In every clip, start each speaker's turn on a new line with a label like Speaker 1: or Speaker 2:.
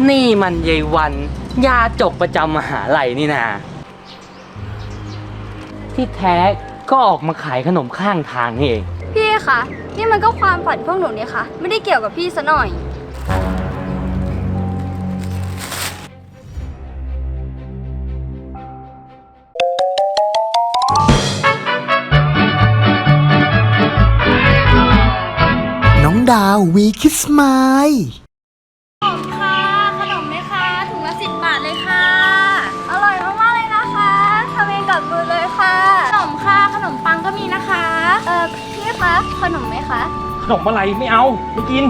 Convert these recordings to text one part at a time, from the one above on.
Speaker 1: นี่มันยายวันยาจกประจำมหาลัยนี่นาที่แท้ก็ออกมาขายขนมข้างทางนี่เอง
Speaker 2: พี่คะนี่มันก็ความฝันพวกหนูนี่ค่ะไม่ได้เกี่ยวกับพี่ซะหน่อย
Speaker 3: น้องดาววีคิสไมล์
Speaker 2: ขนมค่ะขนมไหมคะถุงละ10 บาทเลยค่ะอร่อยมากๆเลยนะคะทำเองกับมือเลยค่ะขนมค่ะขนมปังก็มีนะคะพี่คะขนมไหมคะ
Speaker 1: ขนมอะไรไม่เอาไม่กิน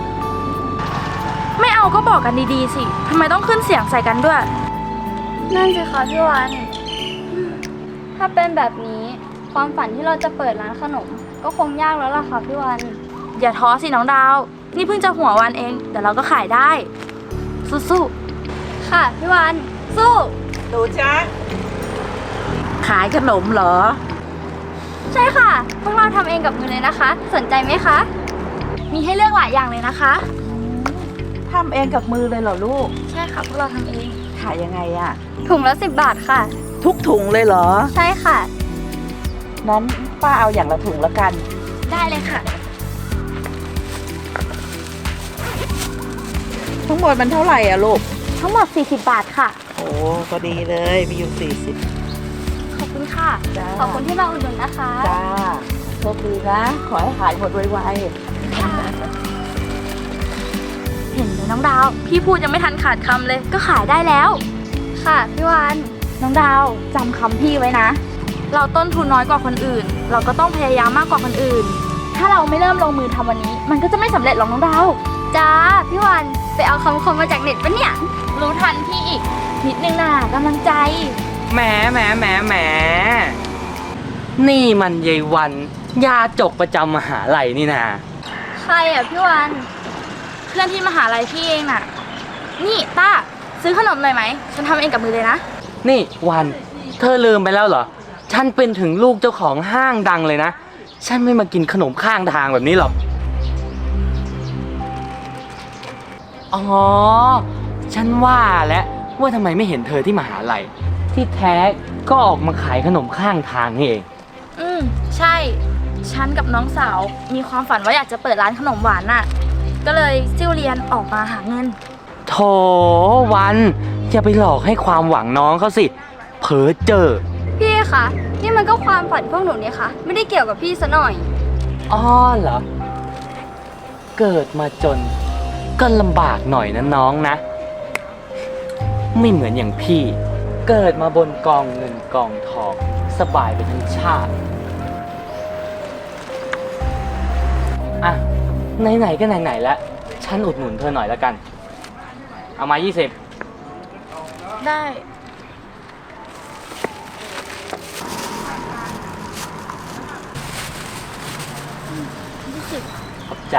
Speaker 4: ไม่เอาก็บอกกันดีๆสิทำไมต้องขึ้นเสียงใส่กันด้วย
Speaker 2: นั่นสิคะพี่วันถ้าเป็นแบบนี้ความฝันที่เราจะเปิดร้านขนมก็คงยากแล้วล่ะค่ะพี่วัน
Speaker 4: อย่าท้อสิน้องดาว นี่เพิ่งจะหัววันเองแต่เราก็ขายได้ สู้
Speaker 2: ค่ะพี่วันสู้
Speaker 5: หนูจ๊ะขายขนมเหรอ
Speaker 2: ใช่ค่ะพวกเราทำเองกับมือเลยนะคะ สนใจไหมคะ
Speaker 4: ๆมีให้เลือกหลายอย่างเลยนะคะ
Speaker 5: ทำเองกับมือเลยเหรอลูก
Speaker 4: ใช่ค่ะพวกเราทำเอง
Speaker 5: ขายยังไงอะ
Speaker 2: ถุงละ10 บาทค่ะ
Speaker 5: ทุกถุงเลยเหรอ
Speaker 2: ใช่ค่ะ
Speaker 5: นั้นป้าเอาอย่างละถุงละกัน
Speaker 4: ได้เลยค่ะ
Speaker 5: ทั้งหมดมันเท่าไหร่อะลูก
Speaker 4: ทั้งหมด40 บาทค่ะ
Speaker 5: โอ้ก็ดีเลยมีอยู่40
Speaker 4: ขอบคุณค่ะ
Speaker 5: จ้า
Speaker 2: ขอบคุณที่มาอุดหนุนนะคะ
Speaker 5: จ้าโชคดีนะ ขอให้ขายหมดไว
Speaker 4: เห็นไหมน้องดาว พี่พูดยังไม่ทันขาดคำเลยก็ขายได้แล้ว
Speaker 2: ค่ะพี่วัน
Speaker 4: น้องดาวจำคำพี่ไว้นะ เราต้นทุนน้อยกว่าคนอื่น เราก็ต้องพยายามมากกว่าคนอื่น ถ้าเราไม่เริ่มลงมือทำวันนี้ มันก็จะไม่สำเร็จหรอกน้องดาว
Speaker 2: จ้าพี่วันไปเอาคำคมมาจากเน็ตปะเนี่ย
Speaker 4: รู้ทันพี่อีก นิดนึงน่ะกำลังใจ
Speaker 1: แหมนี่มันยายวันยาจกประจำมหาลัยนี่นา
Speaker 2: ใครอ่ะพี่วัน
Speaker 4: เพื่อนที่มหาลัยพี่เองน่ะ นี่ต้าซื้อขนมหน่อยไหม ฉันทำเองกับมือเลยนะ
Speaker 1: นี่วันเธอลืมไปแล้วเหรอฉันเป็นถึงลูกเจ้าของห้างดังเลยนะฉันไม่มากินขนมข้างทางแบบนี้หรอกอ๋อฉันว่าแล้วว่าทำไมไม่เห็นเธอที่มหาลัยที่แท้ก็ออกมาขายขนมข้างทางนี่เอง
Speaker 4: ใช่ ฉันกับน้องสาวมีความฝันว่าอยากจะเปิดร้านขนมหวานน่ะ ก็เลยซิ่วเรียนออกมาหาเงิน
Speaker 1: โถวันอย่าไปหลอกให้ความหวังน้องเขาสิเผลอเจอ
Speaker 2: พี่คะนี่มันก็ความฝันพวกหนูนี่ค่ะไม่ได้เกี่ยวกับพี่ซะหน่อย
Speaker 1: อ๋อเหรอเกิดมาจนก็ลำบากหน่อยนะน้องนะ ไม่เหมือนอย่างพี่เกิดมาบนกองเงินกองทองสบายไปทั้งชาติอ่ะไหนๆก็ไหนๆแล้วฉันอุดหนุนเธอหน่อยแล้วกันเอามา20
Speaker 4: ได้
Speaker 1: ขอบใจ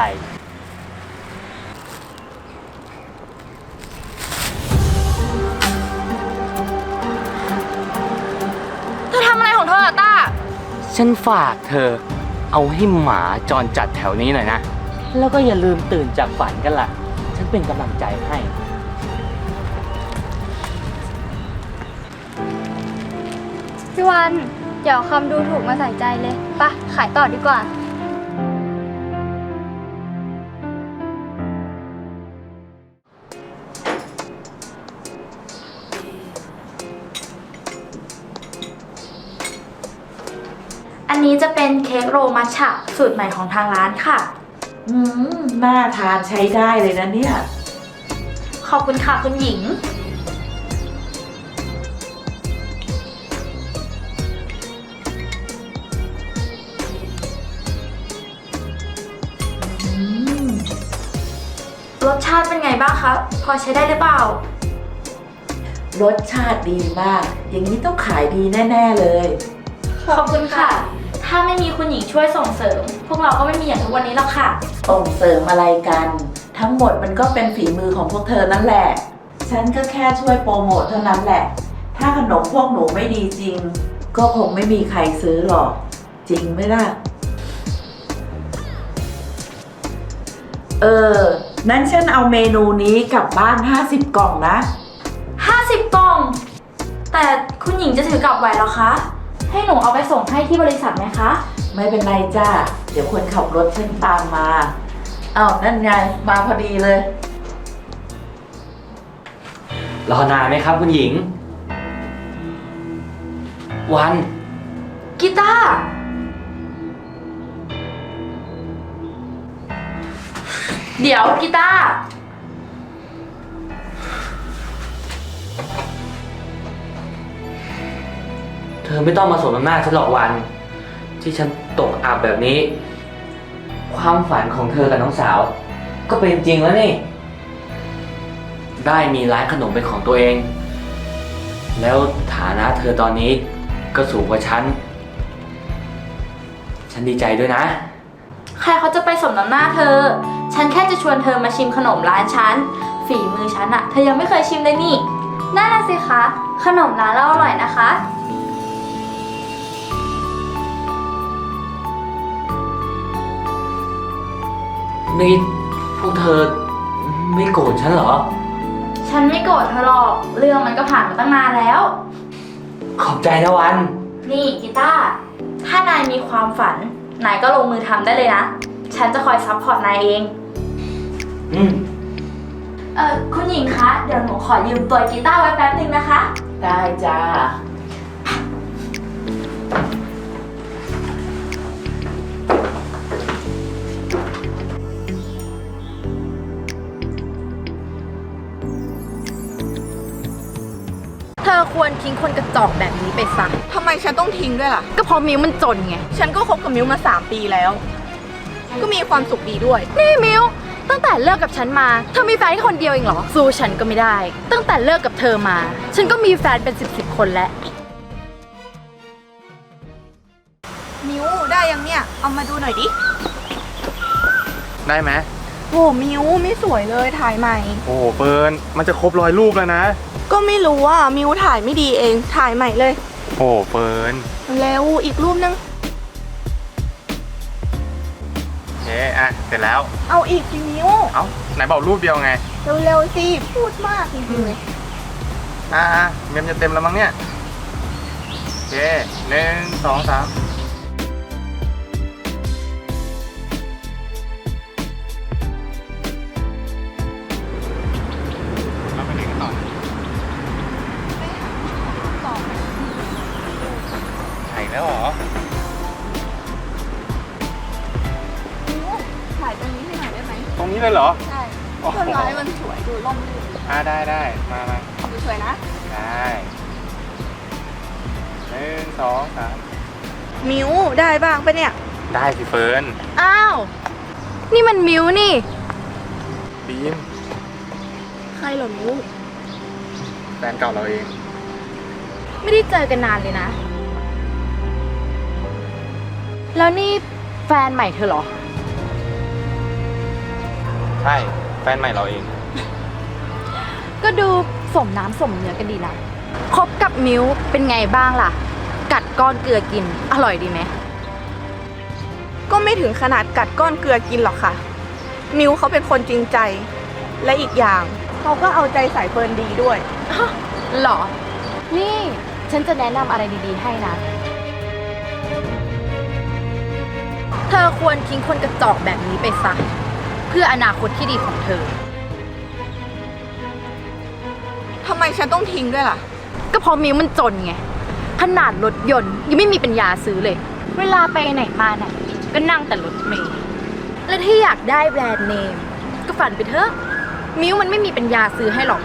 Speaker 4: เธอทำอะไรของเธออะต้า
Speaker 1: ฉันฝากเธอเอาให้หมาจรจัดแถวนี้หน่อยนะ แล้วก็อย่าลืมตื่นจากฝันกันล่ะ ฉันเป็นกำลังใจให้
Speaker 2: พี่วันอย่าเอาคำดูถูกมาใส่ใจเลยไปะขายต่อดีกว่า
Speaker 4: อันนี้จะเป็นเค้กโรมัชฉะสูตรใหม่ของทางร้านค่ะ
Speaker 5: น่าทานใช้ได้เลยนะเนี่ย
Speaker 4: ขอบคุณค่ะคุณหญิง รสชาติเป็นไงบ้างคะ พอใช้ได้หรือเปล่า
Speaker 5: รสชาติดีมาก อย่างนี้ต้องขายดีแน่ๆเลย
Speaker 4: ขอบคุณค่ะ ถ้าไม่มีคุณหญิงช่วยส่งเสริม พวกเราก็ไม่มีอย่างทุกวันนี้หรอกค่ะ
Speaker 5: ส่งเสริมอะไรกัน ทั้งหมดมันก็เป็นฝีมือของพวกเธอนั่นแหละ ฉันก็แค่ช่วยโปรโมทเท่านั้นแหละ ถ้าขนมพวกหนูไม่ดีจริง ก็คงไม่มีใครซื้อหรอก จริงไหมล่ะ เออนั้นฉันเอาเมนูนี้กลับบ้าน50 กล่องนะ
Speaker 4: 50 กล่อง แต่คุณหญิงจะถือกลับไหวเหรอคะ ให้หนูเอาไปส่งให้ที่บริษัทไหมคะ
Speaker 5: ไม่เป็นไรจ้า เดี๋ยวคนขับรถฉันตามมาอ้าวนั่นไง มาพอดีเลย
Speaker 1: รอนานไหมครับคุณหญิง วัน
Speaker 4: กีตาร์เดี๋ยวกีตาร์
Speaker 1: เธอไม่ต้องมาสมน้ำหน้าฉันหรอกวัน ที่ฉันตกอับแบบนี้ ความฝันของเธอกับน้องสาว ก็เป็นจริงแล้วนี่ ได้มีร้านขนมเป็นของตัวเอง แล้วฐานะเธอตอนนี้ก็สูงกว่าฉันดีใจด้วยนะ
Speaker 4: ใครเขาจะไปสมน้ำหน้าเธอ ฉันแค่จะชวนเธอมาชิมขนมร้านฉัน ฝีมือฉันอะเธอยังไม่เคยชิมเลยนี่นั่นน่ะสิคะ ขนมร้านเราอร่อยนะคะ
Speaker 1: นี่พวกเธอไม่โกรธฉันเหรอ
Speaker 4: ฉันไม่โกรธเธอหรอก เรื่องมันก็ผ่านมาตั้งนานแล้ว
Speaker 1: ขอบใจนะวัน
Speaker 4: นี่กีตาร์ถ้านายมีความฝัน นายก็ลงมือทำได้เลยนะ ฉันจะคอยซัพพอร์ตนายเอง
Speaker 1: อืม
Speaker 4: คุณหญิงคะ เดี๋ยวหนูขอยืมตัวกีตาร์ไว้แป๊บนึงนะคะ
Speaker 5: ได้จ้า
Speaker 4: เธอควรทิ้งคนกระจอกแบบนี้ไปซะ
Speaker 6: ทำไมฉันต้องทิ้งด้วยล่ะ
Speaker 4: ก็เพราะมิวมันจนไง
Speaker 6: ฉันก็คบกับมิวมา3 ปีแล้ว ก็มีความสุขดีด้วย
Speaker 4: นี่มิวตั้งแต่เลิกกับฉันมา เธอมีแฟนแค่คนเดียวเองเหรอ สู้ฉันก็ไม่ได้ ตั้งแต่เลิกกับเธอมา ฉันก็มีแฟนเป็น10 คนแล้ว
Speaker 6: มิวได้ยังเนี่ย เอามาดูหน่อยดิ
Speaker 7: ได้ไหม
Speaker 6: โหมิวไม่สวยเลยถ่ายใหม่
Speaker 7: โอ้โหเฟิร์นมันจะครบ100 รูปแล้วนะ
Speaker 6: ก็ไม่รู้ว่ามิวถ่ายไม่ดีเอง ถ่ายใหม่เลย
Speaker 7: โอ้โหเฟิร์น
Speaker 6: เร็วอีกรูปนึง
Speaker 7: โอเคอ่ะเสร็จแล้ว
Speaker 6: เอาอีกสิมิว
Speaker 7: เอ้าไหนบอกรูปเดียวไง
Speaker 6: เร็วๆสิ พูดมากจริงๆเลย
Speaker 7: เมมจะเต็มแล้วมั้งเนี่ย โอเค1 2 3เราไปเรียนกันต่อถ่ายแล้วเหรอ
Speaker 6: มิวถ่ายตรงนี้ให้หน่อยได้ไหม
Speaker 7: ตรงนี้เลยเหรอ
Speaker 6: ใช่
Speaker 7: โอ้โห
Speaker 6: ต้นไม้มันสวยดูร่มรื่น
Speaker 7: ได้มา
Speaker 6: ดูสวยนะ
Speaker 7: ได้1 2 3
Speaker 6: มิวได้บ้างปะเนี่ย
Speaker 7: ได้สิเฟิร์น
Speaker 4: อ้าว นี่มันมิวนี่
Speaker 7: บีม
Speaker 6: ใครเหรอมิว
Speaker 7: แฟนเก่าเราเอง
Speaker 4: ไม่ได้เจอกันนานเลยนะ แล้วนี่แฟนใหม่เธอเหรอ
Speaker 7: ใช่ แฟนใหม่เราเอง
Speaker 4: ก็ดูสมน้ำสมเนื้อกันดีนะ คบกับมิวเป็นไงบ้างล่ะ กัดก้อนเกลือกิน อร่อยดีไหม
Speaker 6: ก็ไม่ถึงขนาดกัดก้อนเกลือกินหรอกค่ะ มิวเขาเป็นคนจริงใจ และอีกอย่างเขาก็เอาใจใส่เฟิร์นดีด้วย
Speaker 4: หรอ นี่ฉันจะแนะนำอะไรดีๆให้นะ เธอควรทิ้งคนกระจอกแบบนี้ไปซะ เพื่ออนาคตที่ดีของเธอ
Speaker 6: ทำไมฉันต้องทิ้งด้วยล่ะ
Speaker 4: ก็เพราะมิวมันจนไง ขนาดรถยนต์ยังไม่มีปัญญาซื้อเลย เวลาไปไหนมาไหนก็นั่งแต่รถเมล์และที่อยากได้แบรนด์เนม ก็ฝันไปเถอะ มิวมันไม่มีปัญญาซื้อให้หรอก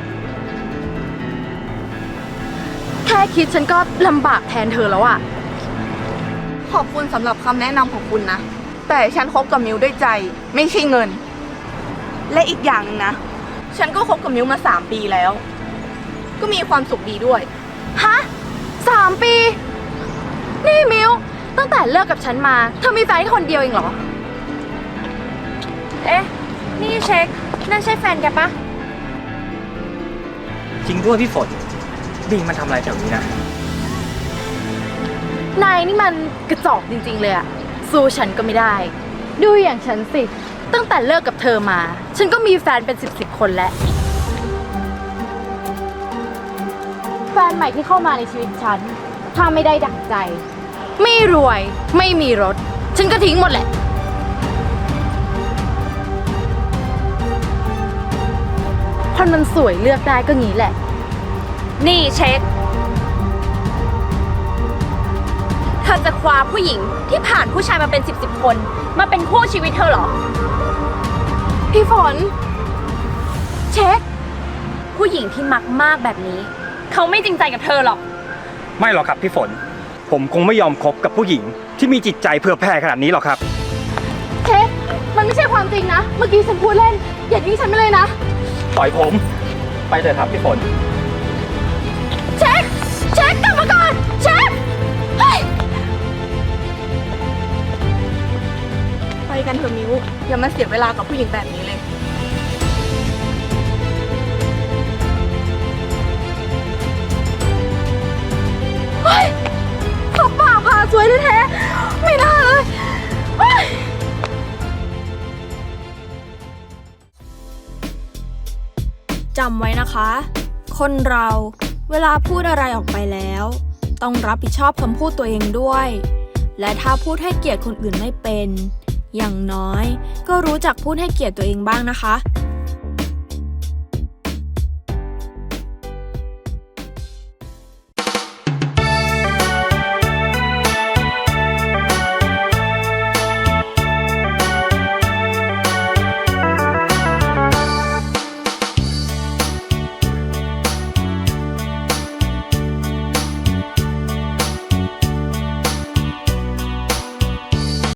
Speaker 4: แค่คิดฉันก็ลำบากแทนเธอแล้วอะ
Speaker 6: ขอบคุณสำหรับคำแนะนำของคุณนะ แต่ฉันคบกับมิวด้วยใจ ไม่ใช่เงิน และอีกอย่างหนึงนะ ฉันก็คบกับมิวมา3 ปีแล้ว ก็มีความสุขดีด้วย
Speaker 4: ฮะ3 ปี นี่มิวตั้งแต่เลิกกับฉันมา เธอมีแฟนแค่คนเดียวเองเหรอ เอ๊ะ นี่เช็ค นั่นใช่แฟนแกปะ
Speaker 1: จริงด้วยพี่ฝนบีมมันทำอะไรแถวนี้นะ
Speaker 4: นายนี่มันกระจอกจริงๆเลยอะสู้ฉันก็ไม่ได้ ดูอย่างฉันสิตั้งแต่เลิกกับเธอมา ฉันก็มีแฟนเป็นสิบคนแล้ว แฟนใหม่ที่เข้ามาในชีวิตฉัน ถ้าไม่ได้ดั่งใจ ไม่รวย ไม่มีรถ ฉันก็ทิ้งหมดแหละ คนมันสวยเลือกได้ก็งี้แหละ
Speaker 2: นี่เช็ค เธอจะคว้าผู้หญิงที่ผ่านผู้ชายมาเป็น10 คนมาเป็นคู่ชีวิตเธอเหรอ
Speaker 4: พี่ฝน เช็ค
Speaker 2: ผู้หญิงที่มักมากแบบนี้ เขาไม่จริงใจกับเธอหรอก
Speaker 7: ไม่หรอกครับพี่ฝน ผมคงไม่ยอมคบกับผู้หญิงที่มีจิตใจเพื่อแผ่ขนาดนี้หรอกครับ
Speaker 4: เช็ค มันไม่ใช่ความจริงนะ เมื่อกี้ฉันพูดเล่น อย่าทิ้งฉันไปเลยนะ
Speaker 7: ปล่อยผม ไปเถอะครับพี่ฝน
Speaker 4: เช็ค เช็คกลับมาก่อน เช็ค เฮ้ย
Speaker 6: ไปกันเถอะมิวอย่ามาเสียเวลากับผู้หญิงแบบนี้เลย
Speaker 4: เฮ้ยขับป่าพาสวยแท้ๆไม่น่าเลยเฮ้ย
Speaker 8: จำไว้นะคะ คนเราเวลาพูดอะไรออกไปแล้ว ต้องรับผิดชอบคำพูดตัวเองด้วย และถ้าพูดให้เกียรติคนอื่นไม่เป็น อย่างน้อยก็รู้จักพูดให้เกียรติตัวเองบ้างนะคะ